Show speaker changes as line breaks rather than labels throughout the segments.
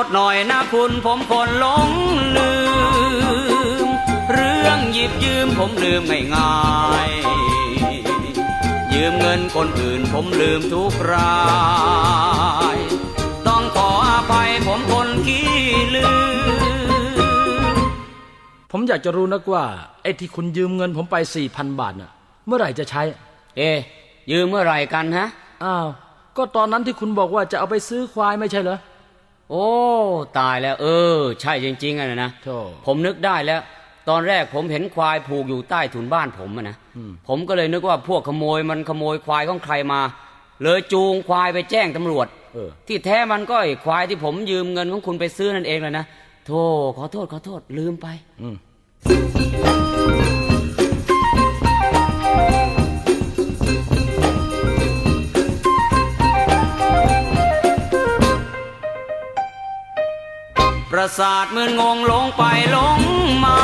ษหน่อยนะคุณผมคนหลงลืมเรื่องหยิบยืมผมลืมง่ายๆยืมเงินคนอื่นผมลืมทุกรายต้องขออภัยผมคนขี้ลืม
ผมอยากจะรู้นักว่าไอ้ที่คุณยืมเงินผมไป 4,000 บาทน่ะเมื่อไหร่จะใช้
ยืมเมื่อไหร่กันฮะ
อ้าวก็ตอนนั้นที่คุณบอกว่าจะเอาไปซื้อควายไม่ใช่เหรอ
โอ้ตายแล้วใช่จริงๆอะนะ
โธ่
ผมนึกได้แล้วตอนแรกผมเห็นควายผูกอยู่ใต้ถุนบ้านผมนะผมก็เลยนึกว่าพวกขโมยมันขโมยควายของใครมาเลยจูงควายไปแจ้งตำรวจที่แท้มันก็ไอ้ควายที่ผมยืมเงินของคุณไปซื้อนั่นเองเลยนะโธ่ขอโทษลืมไปประสาทมึนงงหลงไปหลงมา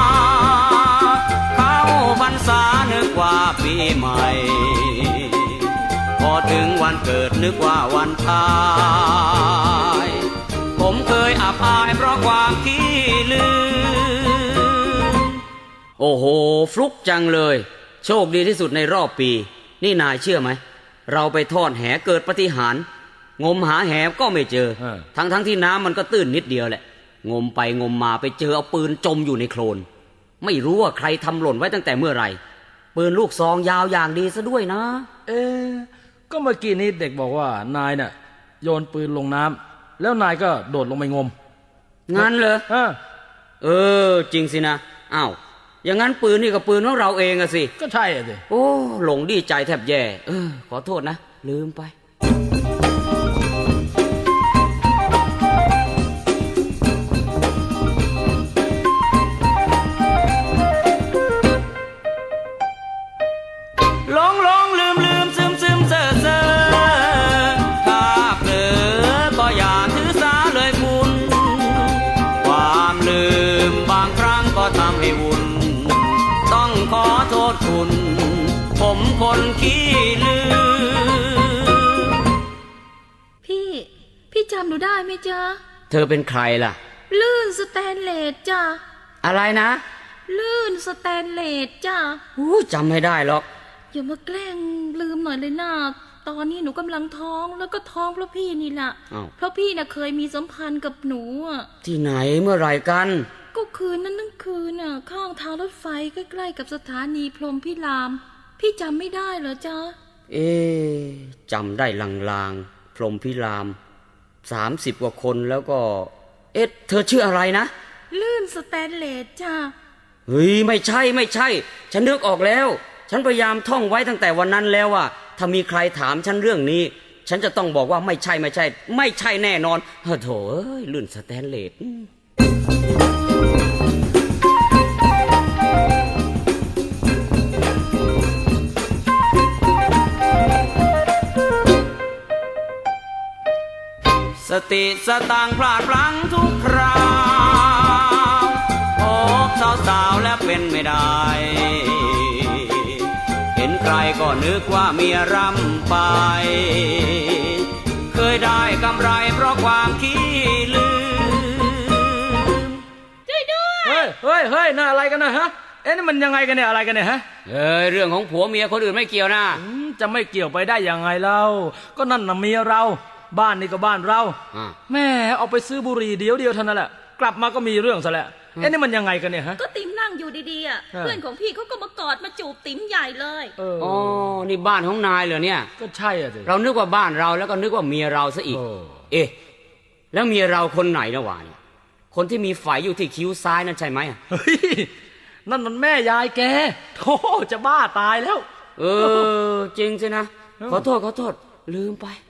เข้าพรรษานึกว่าปีใหม่พอถึงวันเกิดนึกว่าวันตายผมเคยอับอายเพราะความขี้ลืมโอ้โหฟลุกจังเลยโชคดีที่สุดในรอบปีนี่นายเชื่อไหมเราไปทอดแหเกิดปาฏิหาริย์งมหาแหก็ไม่เจอทั้งที่น้ำมันก็ตื้นนิดเดียวแหละงมไปงมมาไปเจอเอาปืนจมอยู่ในโคลนไม่รู้ว่าใครทำหล่นไว้ตั้งแต่เมื่อไหร่ปืนลูกซองยาวอย่างดีซะด้วยนะ
ก็เมื่อกี้นี้เด็กบอกว่านายน่ะโยนปืนลงน้ำแล้วนายก็โดดลงไปงม
งั้นเหรอจริงสินะอ้าวอย่างนั้นปืนนี่ก็ปืนของเราเองอะสิ
ก็ใช่อะสิ
โอ้หลงดีใจแทบแย่ขอโทษนะลืมไปหลงลืมซึมเซ่อถ้าเผลอก็อย่าถือสาเลยคุณความลืมบางครั้งก็ทำให้วุ่นต้องขอโทษคุณผมคนขี้ลืม
พี่จำหนูได้ไหมจ๊ะ
เธอเป็นใครล่ะ
ลื่นสแตนเลสจ้ะ
อะไรนะ
ลื่นสแตนเลสจ้ะ
จำไม่ได้หรอก
อย่ามาแกล้งลืมหน่อยเลยนะตอนนี้หนูกำลังท้องแล้วก็ท้องเพราะพี่นี่แหละเพราะพี่น่ะเคยมีสัมพันธ์กับหนู
ที่ไหนเมื่อไหร่กัน
ก็คืนนั้นทั้งคืนน่ะข้างทางรถไฟใกล้ๆกับสถานีพรหมพิรามพี่จำไม่ได้เหรอจ๊ะ
จำได้ลางๆพรหมพิราม30 กว่าคนแล้วก็เธอชื่ออะไรนะ
ลื่นสแตนเลสจ้ะ
เฮ้ยไม่ใช่ฉันนึกออกแล้วฉันพยายามท่องไว้ตั้งแต่วันนั้นแล้วว่าถ้ามีใครถามฉันเรื่องนี้ฉันจะต้องบอกว่าไม่ใช่แน่นอนโถลื่นสแตนเลสสติสตังพลาดพลั้งทุกคราวพบสาวๆแล้วเป็นไม่ได้เห็นใครก็นึกว่าเมียรำไปเคยได้กำไรเพราะความขี้ลืม
ช่วยด้วย
เฮ้ยน่าอะไรกันนะฮะนี่มันยังไงกันเนี่ยอะไรกันเนี่ยฮะ
เรื่องของผัวเมียคนอื่นไม่เกี่ยวนะ
จะไม่เกี่ยวไปได้ยังไงเล่าก็นั่นน่ะเมียเราบ้านนี่ก็บ้านเราแม่เอาไปซื้อบุหรี่เดียวเท่านั้นแหละกลับมาก็มีเรื่องซะแล้วนี่มันยังไงกันเนี่ยฮะ
ก็ติ๋มนั่งอยู่ดีๆเพื่อนของพี่เขาก็มากอดมาจูบติ๋มใหญ่เลย
นี่บ้านของนายเหรอเนี่ย
ก็ใช่อ่ะสิ
เรานึกว่าบ้านเราแล้วก็นึกว่าเมียเราซะอีกแล้วเมียเราคนไหนนะวะเนี่ยคนที่มีไฝอยู่ที่คิ้วซ้ายนั่นใช่ไหม
นั่นมันแม่ยายแกโธ่จะบ้าตายแล้ว
จริงสินะขอโทษลืมไป